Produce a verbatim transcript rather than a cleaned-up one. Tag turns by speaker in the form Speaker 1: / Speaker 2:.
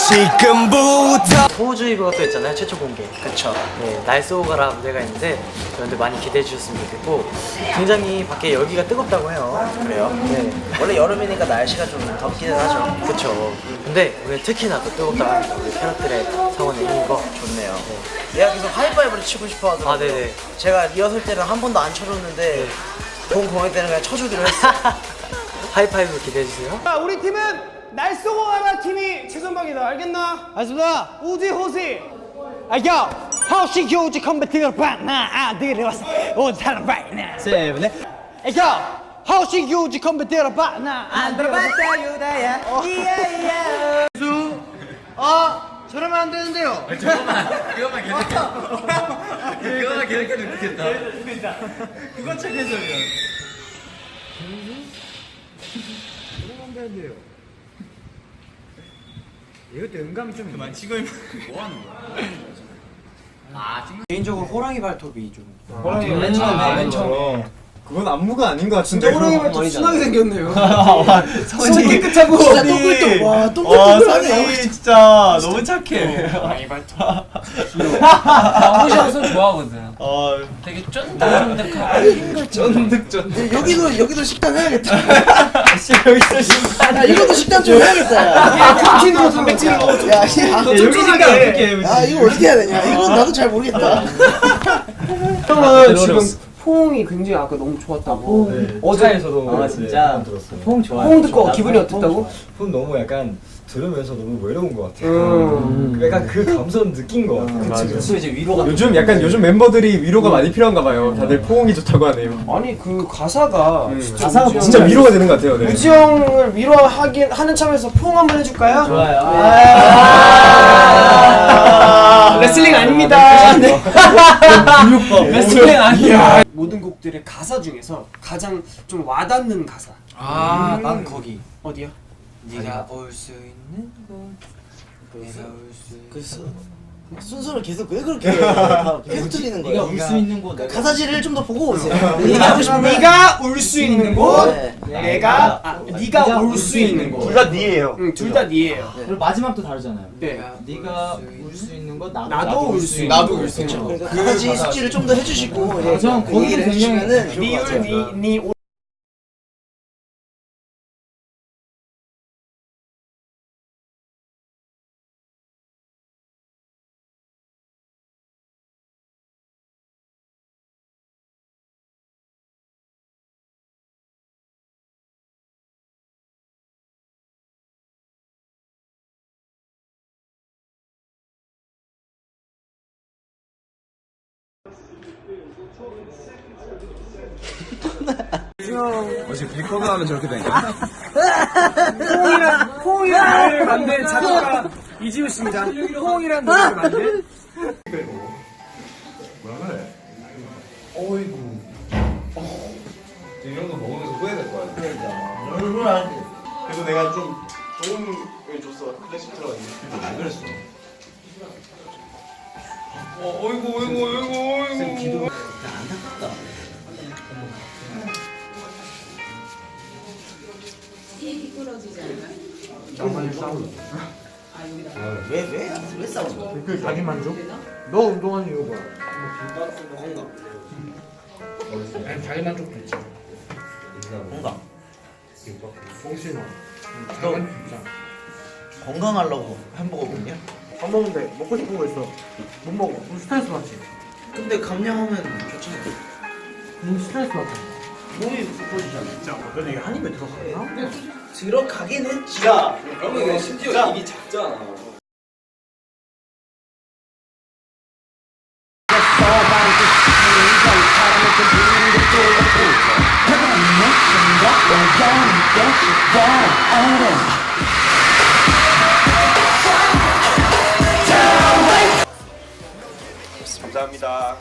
Speaker 1: 지금부터
Speaker 2: 호우주의보가 또 있잖아요. 최초 공개.
Speaker 3: 그쵸.
Speaker 2: 네, 날 쏘고 가라 무대가 있는데 여러분들 많이 기대해 주셨으면 좋겠고 굉장히 밖에 열기가 뜨겁다고 해요.
Speaker 3: 그래요?
Speaker 2: 네,
Speaker 3: 원래 여름이니까 날씨가 좀 덥기는 하죠.
Speaker 2: 그쵸. 근데 오늘 특히나 더 뜨겁다고 합니다. 우리 캐럿들의 성원의 힘인 거.
Speaker 3: 좋네요. 얘가 계속 하이파이브를 치고 싶어 하더라고요.
Speaker 2: 아, 네네.
Speaker 3: 제가 리허설 때는 한 번도 안 쳐줬는데 본 공연 때는 그냥 쳐주기로 했어요.
Speaker 2: 하이파이브 기대해 주세요.
Speaker 4: 자, 우리 팀은 날 쏘고 가라 팀이 최선박이다. 알겠나? 알겠습니다. 우지 호시. 아야, 호시 교지 컴퓨터 바나 아들이 왔어. 온 사람 바이나. 세븐에. 아야, 호시 교지 컴퓨터 바나 아들이 왔어. 유다야. 이야이야. 수. 어, 저러면 안 되는데요.
Speaker 5: 잠깐만, 그것만 계속해. 그것만 계속해도 좋겠다.
Speaker 4: 그건 책 해설이야. 이것도 음감이 좀
Speaker 5: 그만 치고 있는 뭐 하는 거야? 아, 지금
Speaker 2: 개인적으로 호랑이 발톱이 좀.
Speaker 4: 호랑이 맨 처음에 맨 처음에
Speaker 6: 그건 안무가 아닌 것 같은데.
Speaker 4: 호랑이 발톱 순하게 생겼네요.
Speaker 6: 손이
Speaker 4: 깨끗하고
Speaker 3: 진짜 똥글똥. 와,
Speaker 6: 와,
Speaker 3: 똥글똥글하네.
Speaker 6: 선이 진짜 너무 착해.
Speaker 5: 호랑이 발톱. 호시 손 좋아하거든.
Speaker 6: 어,
Speaker 5: 되게 쫀득쫀득하고.
Speaker 6: 쫀득쫀득.
Speaker 3: 여기도 여기도 식단 해야겠다.
Speaker 6: 여기서 신발.
Speaker 3: 야, 이것도 식단 좀 해야겠다. 야.
Speaker 4: 프로틴으로 단백질을 넣어줘.
Speaker 3: 야, 야,
Speaker 6: 여기 신발 어떻게 해?
Speaker 3: 아, 이거 어떻게 해야 되냐? 이건 나도 잘 모르겠다.
Speaker 4: 형은 지금 포옹이 굉장히 아까 너무 좋았다고.
Speaker 6: 네.
Speaker 4: 어제에서도.
Speaker 7: 아 진짜
Speaker 6: 들었어요.
Speaker 7: 포옹 좋아요.
Speaker 4: 포옹 듣고 기분이 어땠다고?
Speaker 7: 포옹 너무 약간 들으면서 너무 외로운 것 같아요.
Speaker 4: 음.
Speaker 7: 약간 그 감성 느낀 것 같아요.
Speaker 6: 맞아.
Speaker 7: 또 이제 위로가
Speaker 6: 요즘 약간 요즘 멤버들이 위로가 많이 필요한가 봐요. 다들 포옹이 좋다고 하네요.
Speaker 4: 아니 그 가사가 진짜
Speaker 7: 가사가
Speaker 4: 우지
Speaker 6: 진짜
Speaker 4: 형-
Speaker 6: 위로가 되는 것 같아요. 네.
Speaker 4: 우지 형을 위로하긴 하는 참에서 포옹 한번 해줄까요?
Speaker 7: 좋아요.
Speaker 4: 아~ 레슬링 아닙니다. 네.
Speaker 6: 레슬링
Speaker 4: 아니야. 모든 곡들의 가사 중에서 가장 좀 와닿는 가사.
Speaker 2: 아, 난 거기.
Speaker 4: 어디야?
Speaker 2: 네가 올 수 있는 곳. 내가 올 수.
Speaker 3: 그래서 순서를 계속 왜 그렇게 다 계속 틀리는 거예요?
Speaker 7: 네가 울 수 있는 곳.
Speaker 3: 가사지를 좀 더 보고 오세요. 얘기하고 싶으면
Speaker 4: 네가 올 수 있는 곳.
Speaker 3: 네.
Speaker 4: 내가 아, 네가 올 수 있는 곳.
Speaker 6: 둘 다 니예요.
Speaker 4: 응, 둘 다 니예요.
Speaker 7: 그리고 마지막도 다르잖아요.
Speaker 4: 네.
Speaker 7: 네가 울 수 있는 곳 나도
Speaker 4: 나도 울 수 있는
Speaker 6: 나도
Speaker 4: 곳.
Speaker 6: 울 수 있는 곳.
Speaker 3: 그러니까 가사지 숙지를 좀 더 해주시고 예,
Speaker 7: 전
Speaker 3: 그
Speaker 7: 거기도
Speaker 3: 얘기를
Speaker 7: 굉장히
Speaker 3: 해주시면은 좋을 것
Speaker 4: 니울
Speaker 3: 같아요.
Speaker 4: 니니 올.
Speaker 6: 어제 빌커가 하면 저렇게 되냐?
Speaker 4: 포옹이란 포옹이란 노래를 만든 작곡가 이지우 씨입니다. 포옹이란 노래를 만든.
Speaker 6: 이런 거 먹으면서 후회될 거야.
Speaker 3: 얼굴 안 돼.
Speaker 6: 그래서 내가 좀 좋은 걸 줬어. 클래식 들어가지고. 왜 그랬어? 어, 어이구, 어이구, 어이구, 어이구.
Speaker 3: 왜, 왜, 왜 싸우는 거야?
Speaker 4: 그 자기 만족? 너 운동하는 이유가? 아니 자기 만족도 있지.
Speaker 3: 건강.
Speaker 4: 정신아.
Speaker 3: 너 건강하려고 햄버거 먹냐?
Speaker 4: 밥 먹는데 먹고 싶은 거 있어. 못 먹어. 그럼 스트레스 받지.
Speaker 3: 근데 감량하면 좋잖아.
Speaker 4: 그럼 스트레스 받지.
Speaker 3: 몸이 부풀어지잖아.
Speaker 4: 진짜 너네 이게 한 입에 들어가나?
Speaker 3: 들어가긴 했지. 야,
Speaker 5: 그러면 이거 심지어 입이 작잖아.
Speaker 6: 감사합니다.